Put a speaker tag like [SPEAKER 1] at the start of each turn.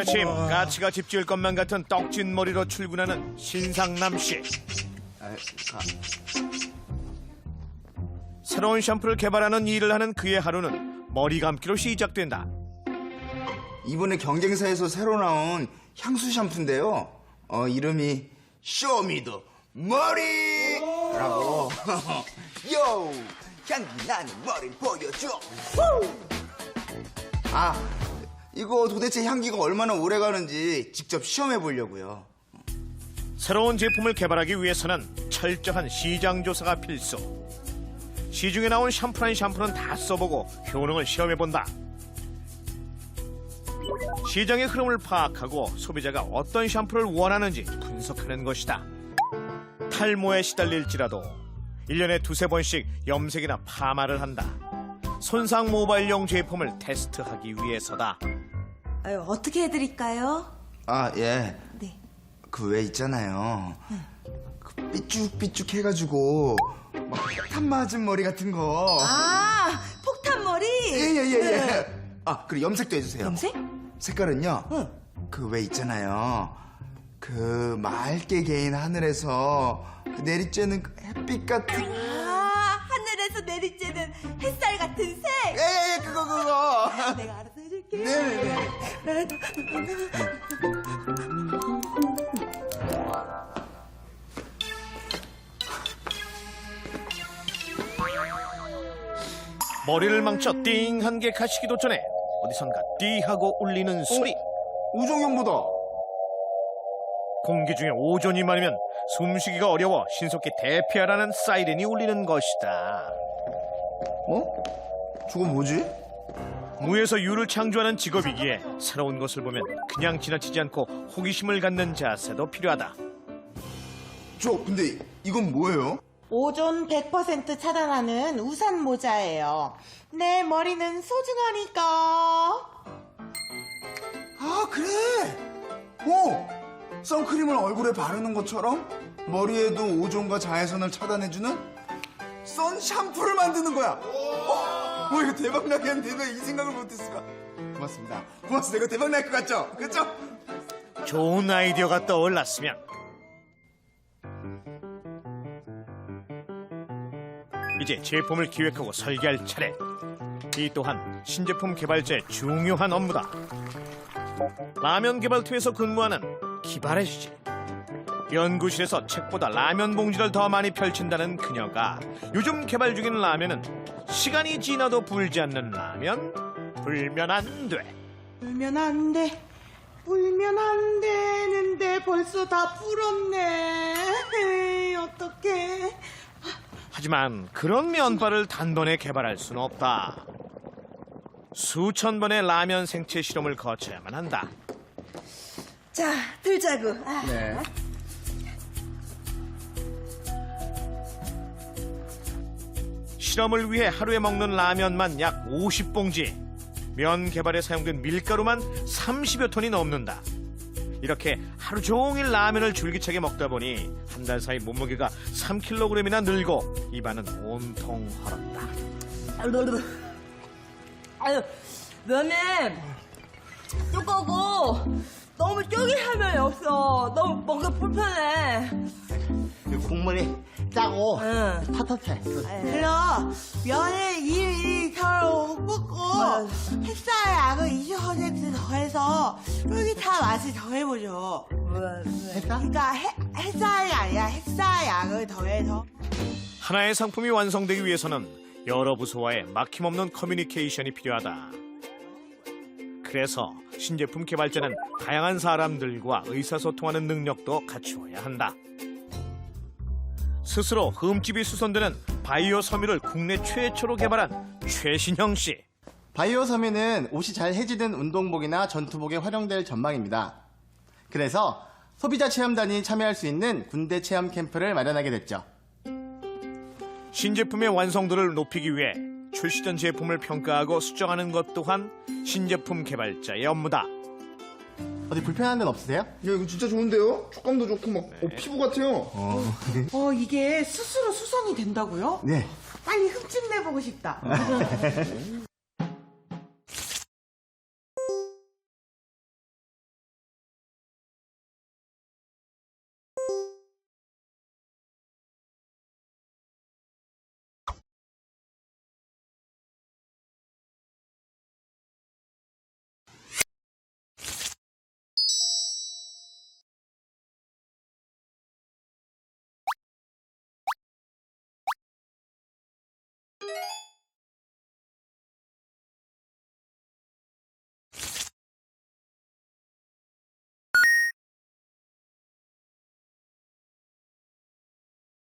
[SPEAKER 1] 아침 까치가 집 지을 것만 같은 떡진 머리로 출근하는 신상남 씨. 새로운 샴푸를 개발하는 일을 하는 그의 하루는 머리 감기로 시작된다.
[SPEAKER 2] 이번에 경쟁사에서 새로 나온 향수 샴푸인데요. 이름이 쇼미더 머리라고. 요, 향기 나는 머리 보여줘. 이거 도대체 향기가 얼마나 오래 가는지 직접 시험해 보려고요.
[SPEAKER 1] 새로운 제품을 개발하기 위해서는 철저한 시장 조사가 필수. 시중에 나온 샴푸는 다 써보고 효능을 시험해본다. 시장의 흐름을 파악하고 소비자가 어떤 샴푸를 원하는지 분석하는 것이다. 탈모에 시달릴지라도 1년에 두세 번씩 염색이나 파마를 한다. 손상 모발용 제품을 테스트하기 위해서다.
[SPEAKER 3] 아유, 어떻게 해드릴까요?
[SPEAKER 2] 예.
[SPEAKER 3] 네.
[SPEAKER 2] 그 왜 있잖아요. 그 삐쭉삐쭉 해가지고 막 폭탄 맞은 머리 같은 거.
[SPEAKER 3] 폭탄머리?
[SPEAKER 2] 예. 그리고 염색도 해주세요.
[SPEAKER 3] 염색?
[SPEAKER 2] 색깔은요. 그 왜 있잖아요. 그 맑게 개인 하늘에서 그 내리쬐는 그 햇빛 같은.
[SPEAKER 3] 하늘에서 내리쬐는 햇살 같은 색?
[SPEAKER 2] 예, 그거.
[SPEAKER 3] 내가 알아서 해줄게.
[SPEAKER 2] 네네네.
[SPEAKER 1] 머리를 망쳐 띵 한 개 가시기도 전에 어디선가 띠하고 울리는 소리.
[SPEAKER 2] 우종형보다.
[SPEAKER 1] 공기 중에 오존이 많으면 숨쉬기가 어려워 신속히 대피하라는 사이렌이 울리는 것이다.
[SPEAKER 2] 저건 뭐지?
[SPEAKER 1] 무에서 유를 창조하는 직업이기에 새로운 것을 보면 그냥 지나치지 않고 호기심을 갖는 자세도 필요하다.
[SPEAKER 2] 근데 이건 뭐예요?
[SPEAKER 4] 오존 100% 차단하는 우산 모자예요. 내 머리는 소중하니까.
[SPEAKER 2] 그래. 선크림을 얼굴에 바르는 것처럼 머리에도 오존과 자외선을 차단해주는 선 샴푸를 만드는 거야. 이거 대박 나겠는데 왜 이 생각을 못했을까? 고맙습니다. 이거 대박 날 것 같죠? 그렇죠?
[SPEAKER 1] 좋은 아이디어가 떠올랐으면 이제 제품을 기획하고 설계할 차례. 이 또한 신제품 개발자의 중요한 업무다. 라면 개발팀에서 근무하는 기발의 씨. 연구실에서 책보다 라면 봉지를 더 많이 펼친다는 그녀가 요즘 개발 중인 라면은 시간이 지나도 불지 않는 라면. 불면 안 돼.
[SPEAKER 4] 울면 안 돼. 울면 안 되는데 벌써 다 불었네. 에이, 어떡해.
[SPEAKER 1] 하지만 그런 면발을 단번에 개발할 수는 없다. 수천 번의 라면 생체 실험을 거쳐야만 한다.
[SPEAKER 3] 자, 들자고.
[SPEAKER 2] 네.
[SPEAKER 1] 실험을 위해 하루에 먹는 라면만 약 50봉지. 면 개발에 사용된 밀가루만 30여 톤이 넘는다. 이렇게 하루 종일 라면을 줄기차게 먹다 보니 한 달 사이 몸무게가 3kg이나 늘고 입안은 온통 헐었다.
[SPEAKER 3] 아유, 면은 두꺼고 너무 쫄깃하면 없어. 너무 먹기 불편해.
[SPEAKER 5] 국물이 짜고
[SPEAKER 3] 응.
[SPEAKER 5] 텁텁해.
[SPEAKER 4] 그럼 면을 일일이 서로 붓고 햇살 약을 20% 더해서 쫄깃한 맛을 더해보죠.
[SPEAKER 5] 했다?
[SPEAKER 4] 그러니까 햇살이 아니라 햇살 약을 더해서.
[SPEAKER 1] 하나의 상품이 완성되기 위해서는 여러 부서와의 막힘없는 커뮤니케이션이 필요하다. 그래서 신제품 개발자는 다양한 사람들과 의사소통하는 능력도 갖추어야 한다. 스스로 흠집이 수선되는 바이오 섬유를 국내 최초로 개발한 최신형 씨.
[SPEAKER 5] 바이오 섬유는 옷이 잘 해지는 운동복이나 전투복에 활용될 전망입니다. 그래서 소비자 체험단이 참여할 수 있는 군대 체험 캠프를 마련하게 됐죠.
[SPEAKER 1] 신제품의 완성도를 높이기 위해 출시 전 제품을 평가하고 수정하는 것 또한 신제품 개발자의 업무다.
[SPEAKER 5] 어디 불편한 데는 없으세요?
[SPEAKER 2] 야, 이거 진짜 좋은데요? 촉감도 좋고 막 피부 같아요.
[SPEAKER 4] 이게 스스로 수선이 된다고요?
[SPEAKER 5] 네.
[SPEAKER 4] 빨리 흠집 내보고 싶다.